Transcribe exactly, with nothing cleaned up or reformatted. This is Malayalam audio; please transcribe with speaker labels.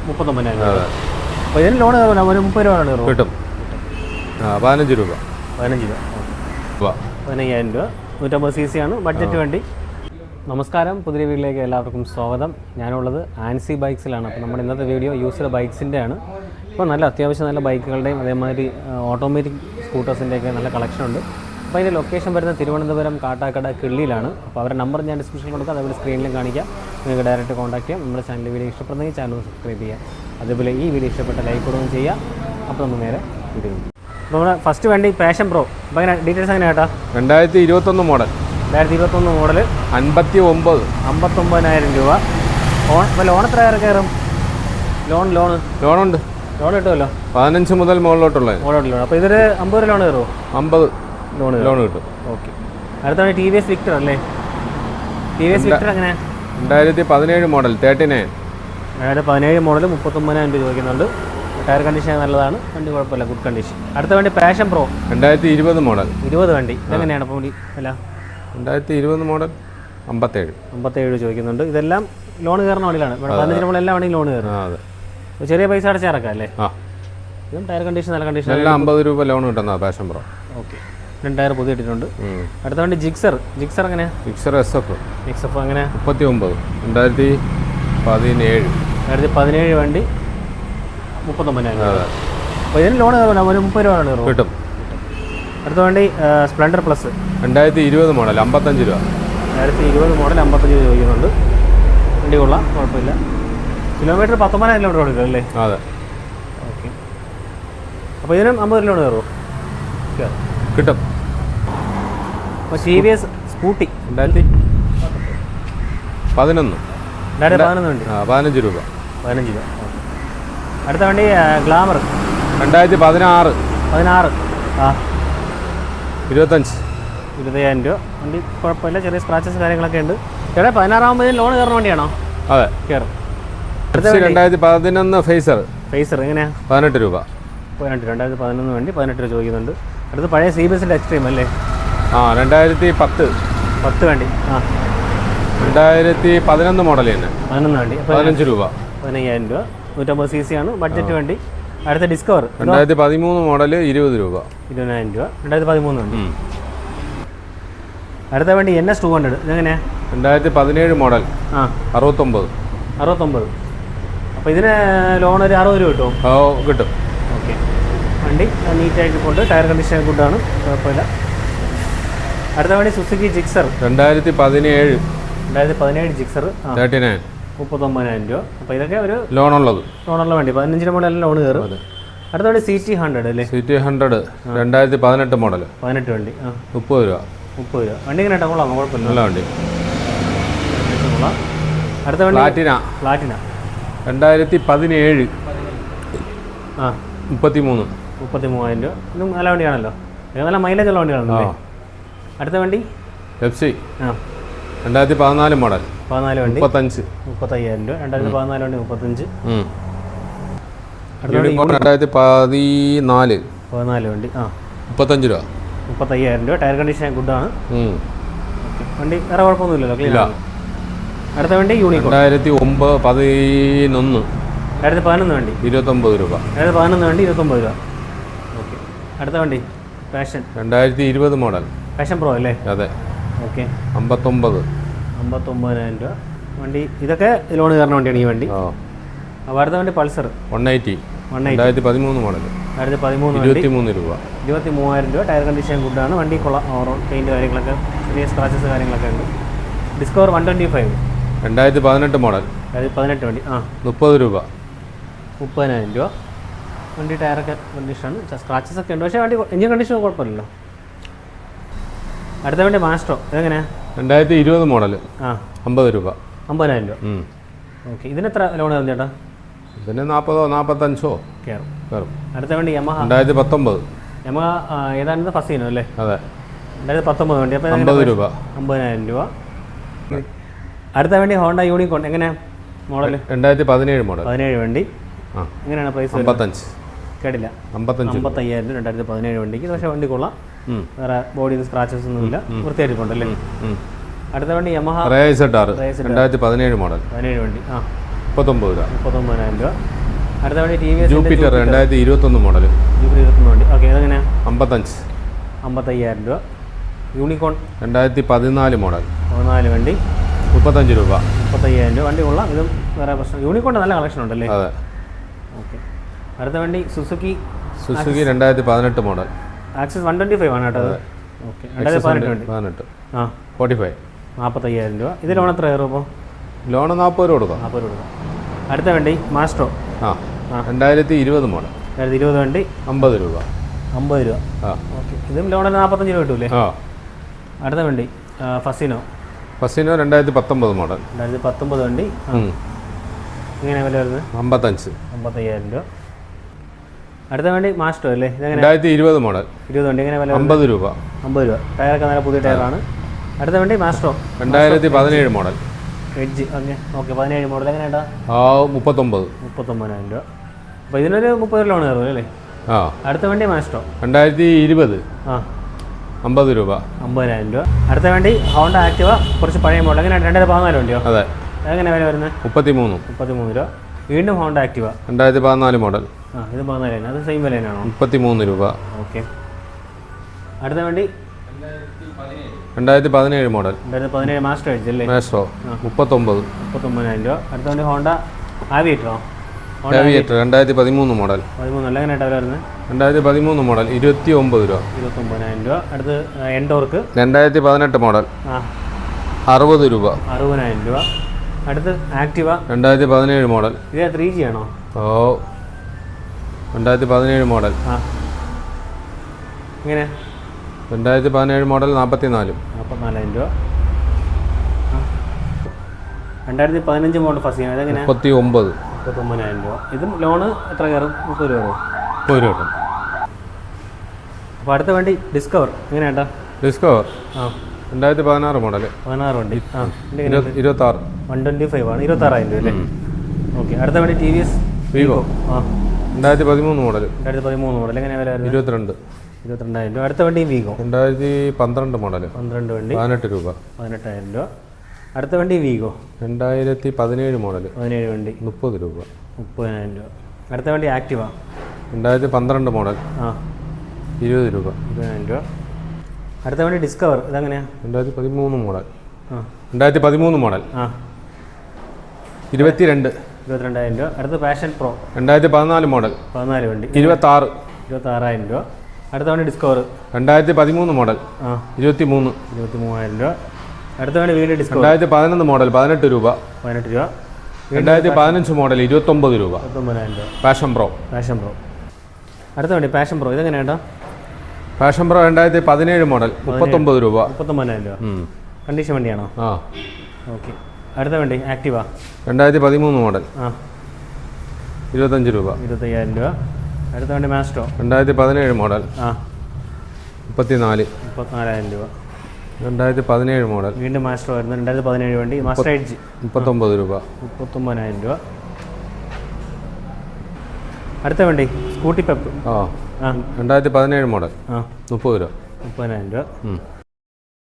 Speaker 1: മുപ്പത്തൊമ്പതിനായിരം രൂപ. അപ്പോൾ ഇതിന് ലോൺ കയറുമല്ലോ, ഒരു മുപ്പത് രൂപ കയറും
Speaker 2: കിട്ടും. ആ പതിനഞ്ച് രൂപ
Speaker 1: പതിനഞ്ച് രൂപ പതിനയ്യായിരം രൂപ. നൂറ്റമ്പത് സി സി ആണ് ബഡ്ജറ്റ് വണ്ടി. നമസ്കാരം, പുതിയ വീട്ടിലേക്ക് എല്ലാവർക്കും സ്വാഗതം. ഞാനുള്ളത് ആൻസി ബൈക്സിലാണ്. അപ്പോൾ നമ്മുടെ ഇന്നത്തെ വീഡിയോ യൂസ്ഡ് ബൈക്സിൻ്റെ ആണ്. ഇപ്പോൾ നല്ല അത്യാവശ്യം നല്ല ബൈക്കുകളുടെയും അതേമാതിരി ഓട്ടോമാറ്റിക് സ്കൂട്ടേഴ്സിൻ്റെയൊക്കെ നല്ല കളക്ഷൻ ഉണ്ട്. അപ്പോൾ അതിൻ്റെ ലൊക്കേഷൻ വരുന്നത് തിരുവനന്തപുരം കാട്ടാക്കട കിള്ളിയിലാണ്. അപ്പോൾ അവരുടെ നമ്പർ ഞാൻ ഡിസ്ക്രിപ്ഷനിൽ കൊടുക്കാം, അതേപോലെ സ്ക്രീനിലും കാണിക്കാം. നിങ്ങൾക്ക് ഡയറക്റ്റ് കോൺടാക്ട് ചെയ്യാം. നമ്മുടെ ചാനൽ വീഡിയോ ഇഷ്ടപ്പെടുന്നെങ്കിൽ ചാനൽ സബ്സ്ക്രൈബ് ചെയ്യുക. അതേപോലെ ഈ വീഡിയോ ഇഷ്ടപ്പെട്ട ലൈക്ക് കൊടുക്കുകയും ചെയ്യുക. അപ്പോൾ നമ്മൾ നേരെ വീഡിയോ. അപ്പോൾ നമ്മുടെ ഫസ്റ്റ് വണ്ടി പാഷൻ പ്രോ. അപ്പോൾ അങ്ങനെ ഡീറ്റെയിൽസ് എങ്ങനെ കേട്ടോ?
Speaker 2: രണ്ടായിരത്തി ഇരുപത്തൊന്ന് മോഡൽ
Speaker 1: രണ്ടായിരത്തി ഇരുപത്തൊന്ന് മോഡൽ
Speaker 2: അൻപത്തി ഒമ്പത്
Speaker 1: അമ്പത്തൊമ്പതിനായിരം രൂപ. ഓൺ അപ്പോൾ ലോൺ എത്ര വരെ കയറും? ലോൺ ലോൺ
Speaker 2: ലോണുണ്ട്,
Speaker 1: ലോൺ കിട്ടുമല്ലോ.
Speaker 2: പതിനഞ്ച് മുതൽ മുകളിലോട്ടുള്ളത്
Speaker 1: മുകളിലോട്ട് ലോൺ. അപ്പോൾ ഇതൊരു അമ്പത് രൂപ ലോൺ കയറുമോ?
Speaker 2: അമ്പത്
Speaker 1: ലോൺ
Speaker 2: ലോൺ കിട്ടും.
Speaker 1: ഓക്കെ. അടുത്താണ് ടി വി എസ് വിക്ടർ അല്ലേ? ടി വി എസ് വിക്ടർ എങ്ങനെ?
Speaker 2: രണ്ടായിരത്തി പതിനേഴ് മോഡൽ തേർട്ടി നയൻ
Speaker 1: രണ്ടായിരത്തി പതിനേഴ് മോഡൽ മുപ്പത്തൊമ്പതിനായിരം രൂപ ചോദിക്കുന്നുണ്ട്. ടയർ കണ്ടീഷൻ നല്ലതാണ്, വണ്ടി കുഴപ്പമില്ല, ഗുഡ് കണ്ടീഷൻ. അടുത്ത വണ്ടി പാഷൻ പ്രോ
Speaker 2: രണ്ടായിരത്തി ഇരുപത് മോഡൽ
Speaker 1: ഇരുപത് വണ്ടി. ഇതെങ്ങനെയാണ് അപ്പോൾ വണ്ടി അല്ല?
Speaker 2: രണ്ടായിരത്തി ഇരുപത് മോഡൽ അമ്പത്തേഴ്
Speaker 1: അമ്പത്തേഴ് ചോദിക്കുന്നുണ്ട്. ഇതെല്ലാം ലോൺ കയറുന്ന വണ്ടിയിലാണ്. ഇവിടെ പതിനഞ്ച് നമ്മൾ എല്ലാ വണ്ടിയും ലോൺ കയറും.
Speaker 2: അതെ,
Speaker 1: ചെറിയ പൈസ അടച്ച് ഇറക്കാം അല്ലേ?
Speaker 2: ആ,
Speaker 1: ഇതും ടയർ കണ്ടീഷൻ നല്ല കണ്ടീഷൻ.
Speaker 2: എല്ലാം അമ്പത് രൂപ ലോൺ കിട്ടുന്ന പാഷൻ പ്രോ.
Speaker 1: ഓക്കെ. രണ്ട് ടയർ പുതിയ ഇട്ടിട്ടുണ്ട്. അടുത്ത വണ്ടി ജിക്സർ. ജിക്സർ എങ്ങനെ?
Speaker 2: Gixxer S F
Speaker 1: X F അങ്ങനെ
Speaker 2: മുപ്പത്തി ഒമ്പത് രണ്ടായിരത്തി പതിനേഴ്
Speaker 1: രണ്ടായിരത്തി പതിനേഴ് വണ്ടി മുപ്പത്തൊമ്പതിനായിരം രൂപ. അപ്പോൾ ഇതിന് ലോൺ കയറുമല്ലോ, ഒരു മുപ്പത് രൂപ കയറും
Speaker 2: കിട്ടും.
Speaker 1: അടുത്ത വണ്ടി സ്പ്ലെൻഡർ പ്ലസ്
Speaker 2: രണ്ടായിരത്തി ഇരുപത് മോഡൽ അമ്പത്തഞ്ച് രൂപ.
Speaker 1: രണ്ടായിരത്തി ഇരുപത് മോഡൽ അമ്പത്തഞ്ച് രൂപ ചോദിക്കുന്നുണ്ട്. വണ്ടി കൊള്ളാം, കുഴപ്പമില്ല. കിലോമീറ്റർ പത്തൊമ്പതിനായിരം കിലോമീറ്റർ കൊടുക്കുക അല്ലേ?
Speaker 2: അതെ.
Speaker 1: ഓക്കെ. അപ്പോൾ ഇതിനും അമ്പത് ലോൺ കയറുമോ?
Speaker 2: കിട്ടും.
Speaker 1: അപ്പോൾ ടി വി എസ് സ്കൂട്ടി
Speaker 2: രണ്ടായിരത്തി പതിനൊന്ന്
Speaker 1: രണ്ടായിരത്തി പതിനൊന്ന് വണ്ടി
Speaker 2: പതിനഞ്ച് രൂപ
Speaker 1: പതിനഞ്ച് രൂപ. അടുത്ത വണ്ടി ഗ്ലാമർ
Speaker 2: രണ്ടായിരത്തി പതിനാറ്
Speaker 1: പതിനാറ് ആ
Speaker 2: ഇരുപത്തഞ്ച്
Speaker 1: ഇരുപത്തയ്യായിരം രൂപ. വണ്ടി കുഴപ്പമില്ല, ചെറിയ സ്ക്രാച്ചസ് കാര്യങ്ങളൊക്കെ ഉണ്ട്. ചേട്ടാ പതിനാറാകുമ്പോൾ ലോൺ കയറുന്ന വണ്ടിയാണോ?
Speaker 2: അതെ,
Speaker 1: കയറും.
Speaker 2: രണ്ടായിരത്തി പതിനൊന്ന് ഫേസർ
Speaker 1: ഫേസർ എങ്ങനെയാണ്?
Speaker 2: പതിനെട്ട് രൂപ
Speaker 1: പതിനെട്ട് രണ്ടായിരത്തി പതിനൊന്ന് വണ്ടി പതിനെട്ട് രൂപ ചോദിക്കുന്നുണ്ട്. അടുത്ത് പഴയ സി ബി എസിൻ്റെ എക്സ്ട്രീം അല്ലേ?
Speaker 2: ആ രണ്ടായിരത്തി പത്ത്
Speaker 1: പത്ത് വണ്ടി ആ
Speaker 2: രണ്ടായിരത്തി പതിനൊന്ന് മോഡൽ തന്നെ
Speaker 1: പതിനൊന്ന് വണ്ടി
Speaker 2: പതിനഞ്ച് രൂപ
Speaker 1: പതിനയ്യായിരം രൂപ. നൂറ്റമ്പത് സി സി ആണ് ബഡ്ജറ്റ് വണ്ടി. അടുത്ത ഡിസ്കവർ
Speaker 2: രണ്ടായിരത്തി പതിമൂന്ന് മോഡൽ ഇരുപത് രൂപ
Speaker 1: ഇരുപതിനായിരം രൂപ. രണ്ടായിരത്തി പതിമൂന്ന് വണ്ടി. അടുത്ത വണ്ടി എൻ എസ് ടു ഹൺഡ്രഡ് ഇതെങ്ങനെയാണ്?
Speaker 2: രണ്ടായിരത്തി പതിനേഴ് മോഡൽ
Speaker 1: ആ
Speaker 2: അറുപത്തൊമ്പത്
Speaker 1: അറുപത്തൊമ്പത്. അപ്പോൾ ഇതിന് ലോൺ ഒരു അറുപത് രൂപ കിട്ടുമോ?
Speaker 2: ഓ കിട്ടും.
Speaker 1: ഓക്കെ. വണ്ടി നീറ്റായിട്ട് കൊണ്ട് ടയർ കണ്ടീഷൻ ഗുഡാണ്, കുഴപ്പമില്ല. അടുത്ത വണ്ടി സുസുക്കി ജിക്സർ
Speaker 2: രണ്ടായിരത്തി പതിനേഴ്
Speaker 1: രണ്ടായിരത്തി പതിനേഴ് ജിക്സർ
Speaker 2: തേർട്ടി നയൻ
Speaker 1: മുപ്പത്തൊമ്പതിനായിരം രൂപ. അപ്പോൾ ഇതൊക്കെ ഒരു
Speaker 2: ലോണുള്ളത്
Speaker 1: ലോണുള്ള വണ്ടി. പതിനഞ്ചിന് മോഡൽ ലോൺ കയറും. അടുത്ത വണ്ടി സി ടി ഹൺഡ്രഡ് അല്ലേ?
Speaker 2: സി ടി ഹൺഡ്രഡ് രണ്ടായിരത്തി പതിനെട്ട് മോഡൽ
Speaker 1: പതിനെട്ട് വണ്ടി ആ
Speaker 2: മുപ്പത് രൂപ
Speaker 1: മുപ്പത് രൂപ. വണ്ടി ഇങ്ങനെ കൊള്ളാം, കുഴപ്പമില്ല,
Speaker 2: നല്ല വണ്ടി.
Speaker 1: കൊള്ളാം. അടുത്ത വണ്ടി
Speaker 2: പ്ലാറ്റിന
Speaker 1: പ്ലാറ്റിന
Speaker 2: രണ്ടായിരത്തി പതിനേഴ്
Speaker 1: ആ
Speaker 2: മുപ്പത്തി മൂന്ന്
Speaker 1: മുപ്പത്തി മൂവായിരം രൂപ. ഇതും നല്ല വണ്ടിയാണല്ലോ, നല്ല മൈലേജ് ഉള്ള വണ്ടിയാണല്ലോ. അടുത്ത വണ്ടി
Speaker 2: പെപ്സി
Speaker 1: ആ
Speaker 2: രണ്ടായിരത്തി പതിനാല് മോഡൽ
Speaker 1: പതിനാല് വണ്ടി
Speaker 2: മുപ്പത്തഞ്ച്
Speaker 1: മുപ്പത്തയ്യായിരം രൂപ. രണ്ടായിരത്തി പതിനാല് വണ്ടി മുപ്പത്തഞ്ച്.
Speaker 2: രണ്ടായിരത്തി പതിനാല്
Speaker 1: പതിനാല് വണ്ടി ആ
Speaker 2: മുപ്പത്തഞ്ച് രൂപ
Speaker 1: മുപ്പത്തയ്യായിരം രൂപ. ടയർ കണ്ടീഷൻ ഗുഡാണ്. വണ്ടി വേറെ കുഴപ്പമൊന്നുമില്ലല്ലോ, ക്ലീൻ ആണ്. അടുത്ത വണ്ടി യൂണിക്കോൺ
Speaker 2: രണ്ടായിരത്തി ഒമ്പത് പതിനൊന്ന്
Speaker 1: രണ്ടായിരത്തി പതിനൊന്ന് വണ്ടി
Speaker 2: ഇരുപത്തൊമ്പത് രൂപ
Speaker 1: രണ്ടായിരത്തി പതിനൊന്ന് വണ്ടി ഇരുപത്തൊമ്പത് രൂപ. ഓക്കെ. അടുത്ത വണ്ടി പാഷൻ
Speaker 2: രണ്ടായിരത്തി ഇരുപത് മോഡൽ
Speaker 1: പാഷൻ പ്രോ അല്ലേ?
Speaker 2: അതെ.
Speaker 1: ഓക്കെ.
Speaker 2: അമ്പത്തൊമ്പത്
Speaker 1: അമ്പത്തൊമ്പതിനായിരം രൂപ വണ്ടി. ഇതൊക്കെ ലോൺ കയറുന്ന വണ്ടിയാണ് ഈ വണ്ടി. അപ്പോൾ അടുത്ത വണ്ടി Pulsar
Speaker 2: one eighty
Speaker 1: one eighty
Speaker 2: രണ്ടായിരത്തി പതിമൂന്ന് മോഡൽ
Speaker 1: രണ്ടായിരത്തി പതിമൂന്ന്
Speaker 2: ഇരുപത്തി മൂന്ന് രൂപ
Speaker 1: ഇരുപത്തി മൂവായിരം രൂപ. ടയർ കണ്ടീഷൻ ഗുഡാണ്. വണ്ടി കൊള്ളാം, ഓവറോൾ പെയിൻറ്റ് കാര്യങ്ങളൊക്കെ ചെറിയ സ്ക്രാച്ചസ് കാര്യങ്ങളൊക്കെ ഉണ്ട്. ഡിസ്കവർ വൺ ട്വൻറ്റി ഫൈവ്
Speaker 2: രണ്ടായിരത്തി പതിനെട്ട് മോഡൽ
Speaker 1: രണ്ടായിരത്തി പതിനെട്ട് വണ്ടി ആ
Speaker 2: മുപ്പത് രൂപ
Speaker 1: മുപ്പതിനായിരം രൂപ. വണ്ടി ടയറൊക്കെ കണ്ടീഷനാണ്, സ്ക്രാച്ചസ് ഒക്കെ ഉണ്ട്, പക്ഷേ വണ്ടി എഞ്ചിൻ കണ്ടീഷൻ കുഴപ്പമില്ലല്ലോ. അടുത്ത വണ്ടി മാസ്ട്രോ ഇതെങ്ങനെയാണ്?
Speaker 2: രണ്ടായിരത്തി ഇരുപത് മോഡൽ
Speaker 1: ആ
Speaker 2: അമ്പത് രൂപ
Speaker 1: അമ്പതിനായിരം രൂപ. ഓക്കെ. ഇതിന് എത്ര ലോൺ കയറും ചേട്ടാ?
Speaker 2: ഇതിന് നാൽപ്പതോ നാൽപ്പത്തഞ്ചോ
Speaker 1: കയറും
Speaker 2: കയറും.
Speaker 1: അടുത്ത വണ്ടി യമഹ
Speaker 2: രണ്ടായിരത്തി പത്തൊമ്പത്
Speaker 1: യമഹ ഏതാണ്ട് ഫസീനോ അല്ലേ?
Speaker 2: അതെ.
Speaker 1: രണ്ടായിരത്തി പത്തൊമ്പത് വണ്ടി. അപ്പോൾ
Speaker 2: അമ്പത് രൂപ
Speaker 1: അമ്പതിനായിരം രൂപ. അടുത്ത വണ്ടി ഹോണ്ട യൂണിക്കോൺ എങ്ങനെയാണ് മോഡൽ?
Speaker 2: രണ്ടായിരത്തി പതിനേഴ് മോഡൽ
Speaker 1: പതിനേഴ് വണ്ടി.
Speaker 2: ആ
Speaker 1: എങ്ങനെയാണ് പ്രൈസ്?
Speaker 2: അമ്പത്തഞ്ച്
Speaker 1: കേട്ടില്ല.
Speaker 2: അമ്പത്തഞ്ച്
Speaker 1: അമ്പത്തയ്യായിരം രൂപ രണ്ടായിരത്തി പതിനേഴ് വണ്ടിക്ക്. പക്ഷേ വണ്ടി കൊള്ളാം, വേറെ ബോഡിയിൽ സ്ക്രാച്ചസ് ഒന്നുമില്ല, വൃത്തിയായിട്ടുണ്ടല്ലേ. അടുത്ത വണ്ടി യമഹ
Speaker 2: രണ്ടായിരത്തി പതിനേഴ് മോഡൽ
Speaker 1: പതിനേഴ് വണ്ടി ആ
Speaker 2: മുപ്പത്തൊമ്പത് രൂപ.
Speaker 1: മുപ്പത്തൊമ്പതിനായിരം രൂപ. അടുത്ത വണ്ടി ടി വി എസ്
Speaker 2: ജൂപ്പിറ്റർ രണ്ടായിരത്തി ഇരുപത്തൊന്ന് മോഡൽ.
Speaker 1: ജൂപ്പിറ്റർ ഇരുപത്തൊന്ന് വണ്ടി. ഓക്കെ, അതെങ്ങനെയാണ്?
Speaker 2: അമ്പത്തഞ്ച്.
Speaker 1: അമ്പത്തയ്യായിരം രൂപ. യൂണിക്കോൺ
Speaker 2: രണ്ടായിരത്തി പതിനാല് മോഡൽ.
Speaker 1: പതിനാല് വണ്ടി.
Speaker 2: മുപ്പത്തഞ്ച് രൂപ.
Speaker 1: മുപ്പത്തയ്യായിരം രൂപ. വണ്ടി കൊള്ളാം. ഇതും വേറെ പ്രശ്നം. യൂണിക്കോൺ നല്ല കളക്ഷൻ ഉണ്ടല്ലേ?
Speaker 2: അതെ.
Speaker 1: ഓക്കെ. അടുത്ത വണ്ടി സുസുക്കി
Speaker 2: സുസുക്കി രണ്ടായിരത്തി പതിനെട്ട് model.
Speaker 1: Access one twenty five ആണ് കേട്ടോ. ഓക്കെ, രണ്ടായിരത്തി പതിനെട്ട് വണ്ടി.
Speaker 2: പതിനെട്ട്
Speaker 1: ആ
Speaker 2: ഫോർട്ടി ഫൈവ്.
Speaker 1: നാൽപ്പത്തയ്യായിരം രൂപ. ഇത് ലോൺ എത്ര കയറും അപ്പോൾ?
Speaker 2: ലോണ് നാൽപ്പത് രൂപ കൊടുക്കാം.
Speaker 1: നാൽപ്പത് രൂപ. അടുത്ത വണ്ടി മാസ്ട്രോ.
Speaker 2: ആ രണ്ടായിരത്തി ഇരുപത് മോഡൽ.
Speaker 1: രണ്ടായിരത്തി ഇരുപത് വണ്ടി.
Speaker 2: അമ്പത് രൂപ.
Speaker 1: അമ്പത് രൂപ.
Speaker 2: ആ
Speaker 1: ഓക്കെ. ഇതും ലോണിന് നാൽപ്പത്തഞ്ച് രൂപ കിട്ടൂലേ?
Speaker 2: ആ.
Speaker 1: അടുത്ത വണ്ടി ഫസിനോ.
Speaker 2: ഫസിനോ രണ്ടായിരത്തി പത്തൊമ്പത് മോഡൽ.
Speaker 1: രണ്ടായിരത്തി പത്തൊമ്പത് വണ്ടി. എങ്ങനെയാണ് വില വരുന്നത്?
Speaker 2: അമ്പത്തഞ്ച്.
Speaker 1: അമ്പത്തയ്യായിരം രൂപ. അടുത്ത വണ്ടി മാസ്റ്റോ അല്ലേ? ഇതെങ്ങനെ?
Speaker 2: രണ്ടായിരത്തി ഇരുപത് മോഡൽ.
Speaker 1: ഇരുപത് വണ്ടി. എങ്ങനെ വില?
Speaker 2: അമ്പത് രൂപ.
Speaker 1: അമ്പത് രൂപ. ടയറൊക്കെ നല്ല പുതിയ ടയറാണ്. അടുത്ത വണ്ടി മാസ്റ്റോ
Speaker 2: രണ്ടായിരത്തി പതിനേഴ് മോഡൽ.
Speaker 1: എഡ്ജ്. ഓക്കെ ഓക്കെ പതിനേഴ് മോഡൽ. എങ്ങനെയാ?
Speaker 2: ആ മുപ്പത്തൊമ്പത്.
Speaker 1: മുപ്പത്തൊമ്പതിനായിരം രൂപ. അപ്പോൾ ഇതിനൊരു മുപ്പത് ലോൺ കയറും അല്ലേ?
Speaker 2: ആ.
Speaker 1: അടുത്ത വണ്ടി മാസ്റ്റോ
Speaker 2: രണ്ടായിരത്തി ഇരുപത്.
Speaker 1: ആ
Speaker 2: അമ്പത് രൂപ.
Speaker 1: അമ്പതിനായിരം രൂപ. അടുത്ത വണ്ടി ഹോണ്ട ആക്ടിവ, കുറച്ച് പഴയ മോഡൽ. എങ്ങനെയാണ്? രണ്ടായിരത്തി പതിനാല് വണ്ടിയോ?
Speaker 2: അതെ.
Speaker 1: എങ്ങനെ വില വരുന്നത്?
Speaker 2: മുപ്പത്തി മൂന്ന്.
Speaker 1: മുപ്പത്തി മൂന്ന് രൂപ. വീണ്ടും ഹോണ്ട ആക്ടിവ
Speaker 2: രണ്ടായിരത്തി പതിനാല് മോഡൽ.
Speaker 1: ആ ഇത് പതിനാല് തന്നെ. അത് സെയിം വില തന്നെയാണോ?
Speaker 2: മുപ്പത്തി മൂന്ന് രൂപ.
Speaker 1: ഓക്കെ. അടുത്ത വണ്ടി
Speaker 2: രണ്ടായിരത്തി പതിനേഴ് മോഡൽ.
Speaker 1: രണ്ടായിരത്തി പതിനേഴ് മാസ്റ്റർ എഡ്ജ് അല്ലേ?
Speaker 2: മാസ്റ്റോ മുപ്പത്തൊമ്പത്.
Speaker 1: മുപ്പത്തൊമ്പതിനായിരം രൂപ. അടുത്ത വണ്ടി ഹോണ്ട ആവിയേറ്ററോ?
Speaker 2: ആവിയേറ്റർ രണ്ടായിരത്തി പതിമൂന്ന് മോഡൽ.
Speaker 1: പതിമൂന്നല്ല. എങ്ങനെയായിട്ട് വില വരുന്നത്?
Speaker 2: രണ്ടായിരത്തി പതിമൂന്ന് മോഡൽ ഇരുപത്തി ഒമ്പത് രൂപ.
Speaker 1: ഇരുപത്തൊമ്പതിനായിരം രൂപ. അടുത്ത് എൻഡോർക്ക്
Speaker 2: രണ്ടായിരത്തി പതിനെട്ട് മോഡൽ.
Speaker 1: ആ
Speaker 2: അറുപത് രൂപ.
Speaker 1: അറുപതിനായിരം രൂപ. അടുത്ത് ആക്ടിവ
Speaker 2: രണ്ടായിരത്തി പതിനേഴ് മോഡൽ.
Speaker 1: ഇത് ത്രീ ജി ആണോ?
Speaker 2: ഓ രണ്ടായിരത്തി പതിനേഴ് മോഡൽ.
Speaker 1: ആ എങ്ങനെ?
Speaker 2: രണ്ടായിരത്തി പതിനേഴ് മോഡൽ നാൽപ്പത്തി നാല്.
Speaker 1: നാൽപ്പത്തിനാലായിരം രൂപ. രണ്ടായിരത്തി പതിനഞ്ച് മോഡൽ ഫസീന. ഇതെങ്ങനെ?
Speaker 2: മുപ്പത്തി ഒമ്പത്.
Speaker 1: മുപ്പത്തൊമ്പതിനായിരം രൂപ. ഇതും ലോണ് എത്ര കയറും? മുപ്പത് രൂപ കയറും.
Speaker 2: മുപ്പത് രൂപ കിട്ടും.
Speaker 1: അപ്പോൾ അടുത്ത വണ്ടി ഡിസ്കവർ. എങ്ങനെയാട്ടാ?
Speaker 2: ഡിസ്കവർ
Speaker 1: ആ
Speaker 2: രണ്ടായിരത്തി പതിനാറ് മോഡൽ.
Speaker 1: പതിനാറ് വണ്ടി. ആ
Speaker 2: ഇരുപത്തി ആറ്.
Speaker 1: വൺ ട്വൻറ്റി ഫൈവ് ആണ്. ഇരുപത്താറായിരം രൂപ അല്ലേ? ഓക്കെ. അടുത്ത വണ്ടി ടി വി എസ്
Speaker 2: വീഗോ.
Speaker 1: ആ
Speaker 2: രണ്ടായിരത്തി പതിമൂന്ന് മോഡൽ.
Speaker 1: രണ്ടായിരത്തി പതിമൂന്ന് മോഡൽ. എങ്ങനെ വില വരുന്നത്?
Speaker 2: ഇരുപത്തിരണ്ട്.
Speaker 1: ഇരുപത്തിരണ്ടായിരം രൂപ. അടുത്ത വണ്ടി വീഗോ
Speaker 2: രണ്ടായിരത്തി പന്ത്രണ്ട് മോഡൽ.
Speaker 1: പന്ത്രണ്ട് വണ്ടി.
Speaker 2: പതിനെട്ട് രൂപ.
Speaker 1: പതിനെട്ടായിരം രൂപ. അടുത്ത വണ്ടി വീഗോ
Speaker 2: രണ്ടായിരത്തി പതിനേഴ് മോഡൽ.
Speaker 1: പതിനേഴ് വണ്ടി.
Speaker 2: മുപ്പത് രൂപ.
Speaker 1: മുപ്പതിനായിരം രൂപ. അടുത്ത വണ്ടി ആക്ടിവ
Speaker 2: രണ്ടായിരത്തി പന്ത്രണ്ട് മോഡൽ.
Speaker 1: ആ
Speaker 2: ഇരുപത് രൂപ.
Speaker 1: ഇരുപതിനായിരം രൂപ. അടുത്ത വണ്ടി ഡിസ്കവർ. ഇതെങ്ങനെയാണ്?
Speaker 2: രണ്ടായിരത്തി പതിമൂന്ന് മോഡൽ.
Speaker 1: ആ
Speaker 2: രണ്ടായിരത്തി പതിമൂന്ന് മോഡൽ.
Speaker 1: ആ
Speaker 2: ഇരുപത്തിരണ്ട്.
Speaker 1: ഇരുപത്തിരണ്ടായിരം രൂപ. അടുത്ത പാഷൻ പ്രോ
Speaker 2: രണ്ടായിരത്തി പതിനാല് മോഡൽ.
Speaker 1: പതിനാല് വണ്ടി.
Speaker 2: ഇരുപത്തി ആറ്.
Speaker 1: ഇരുപത്താറായിരം രൂപ. അടുത്ത വണ്ടി ഡിസ്കവർ
Speaker 2: രണ്ടായിരത്തി പതിമൂന്ന് മോഡൽ.
Speaker 1: ആ
Speaker 2: ഇരുപത്തി മൂന്ന്.
Speaker 1: ഇരുപത്തി മൂവായിരം രൂപ. അടുത്ത വണ്ടി വീണ്ടും ഡിസ്കവർ
Speaker 2: രണ്ടായിരത്തി പതിനൊന്ന് മോഡൽ. പതിനെട്ട് രൂപ.
Speaker 1: പതിനെട്ട് രൂപ.
Speaker 2: രണ്ടായിരത്തി പതിനഞ്ച് മോഡൽ. ഇരുപത്തൊമ്പത് രൂപ.
Speaker 1: പത്തൊമ്പതിനായിരം രൂപ.
Speaker 2: Passion Pro.
Speaker 1: Passion Pro. അടുത്ത വണ്ടി പാഷൻ പ്രോ. ഇതെങ്ങനെയാ?
Speaker 2: പാഷൻ പ്രോ രണ്ടായിരത്തി പതിനേഴ് മോഡൽ. മുപ്പത്തൊമ്പത് രൂപ.
Speaker 1: മുപ്പത്തൊമ്പതിനായിരം രൂപ. കണ്ടീഷൻ വണ്ടിയാണോ?
Speaker 2: ആ
Speaker 1: ഓക്കെ. അടുത്ത വണ്ടി ആക്ടിവ
Speaker 2: രണ്ടായിരത്തി പതിമൂന്ന് മോഡൽ.
Speaker 1: ആ
Speaker 2: ഇരുപത്തഞ്ച് രൂപ.
Speaker 1: ഇരുപത്തയ്യായിരം രൂപ. അടുത്ത വണ്ടി മാസ്റ്റോ
Speaker 2: രണ്ടായിരത്തി പതിനേഴ് മോഡൽ.
Speaker 1: ആ
Speaker 2: മുപ്പത്തിനാല്.
Speaker 1: മുപ്പത്തിനാലായിരം രൂപ.
Speaker 2: രണ്ടായിരത്തി പതിനേഴ് മോഡൽ.
Speaker 1: വീണ്ടും മാസ്റ്റർ വരുന്നത്. രണ്ടായിരത്തി പതിനേഴ് വണ്ടി മാസ്റ്റർ എഡ്ജ്.
Speaker 2: മുപ്പത്തൊമ്പത് രൂപ.
Speaker 1: മുപ്പത്തൊമ്പതിനായിരം രൂപ. അടുത്ത വണ്ടി സ്കൂട്ടി പെപ്പ്.
Speaker 2: ആ
Speaker 1: ആ
Speaker 2: രണ്ടായിരത്തി പതിനേഴ് മോഡൽ.
Speaker 1: ആ
Speaker 2: മുപ്പത് രൂപ.
Speaker 1: മുപ്പതിനായിരം രൂപ.